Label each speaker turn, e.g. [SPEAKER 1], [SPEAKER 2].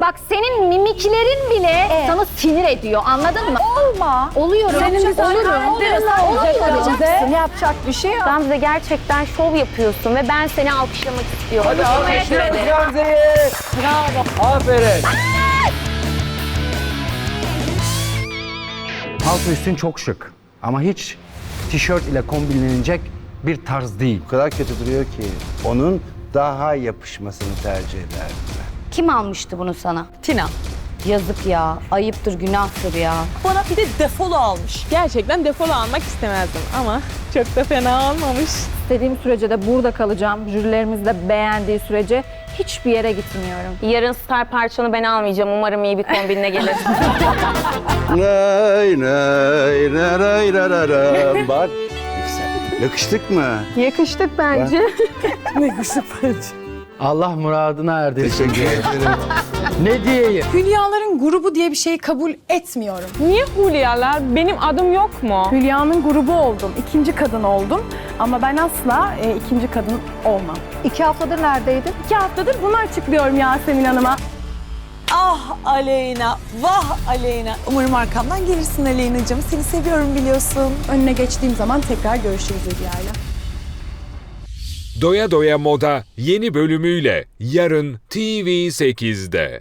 [SPEAKER 1] Bak senin mimiklerin bile sana sinir ediyor, anladın mı?
[SPEAKER 2] Olma.
[SPEAKER 1] Oluyorum.
[SPEAKER 2] Senin bir
[SPEAKER 1] Oluyorum.
[SPEAKER 2] yapacak bir şey yok.
[SPEAKER 1] Gamze gerçekten şov yapıyorsun ve ben seni alkışlamak istiyorum.
[SPEAKER 3] Hadi alkışlıyoruz Gamze'yi. Bravo. Aferin.
[SPEAKER 4] Altı üstün çok şık ama hiç tişört ile kombinlenecek bir tarz değil.
[SPEAKER 5] O kadar kötü duruyor ki onun daha yapışmasını tercih ederdim ben.
[SPEAKER 1] Kim almıştı bunu sana?
[SPEAKER 6] Tina.
[SPEAKER 1] Yazık ya, ayıptır, günahtır ya.
[SPEAKER 6] Bana bir de defolu almış. Gerçekten defolu almak istemezdim ama çok da fena almamış.
[SPEAKER 2] İstediğim sürece de burada kalacağım. Jürilerimiz de beğendiği sürece hiçbir yere gitmiyorum.
[SPEAKER 1] Yarın star parçanı ben almayacağım. Umarım iyi bir kombinle gelir.
[SPEAKER 5] Nay nay nay nay nay nay. Bak güzel. Yakıştık mı?
[SPEAKER 2] Yakıştık bence.
[SPEAKER 4] Allah muradına erdirsin.
[SPEAKER 5] Teşekkür ederim.
[SPEAKER 4] Ne diyeyim?
[SPEAKER 7] Hülyaların grubu diye bir şeyi kabul etmiyorum.
[SPEAKER 6] Niye Hulyalar? Benim adım yok mu?
[SPEAKER 2] Hülya'nın grubu oldum. İkinci kadın oldum. Ama ben asla ikinci kadın olmam. 2 haftadır neredeydin? 2 haftadır bunu açıklıyorum Yasemin Hanım'a.
[SPEAKER 7] Ah Aleyna, vah Aleyna. Umarım arkamdan gelirsin Aleyna'cığım. Seni seviyorum biliyorsun. Önüne geçtiğim zaman tekrar görüşürüz Hülya'yla.
[SPEAKER 8] Doya Doya Moda yeni bölümüyle yarın TV8'de.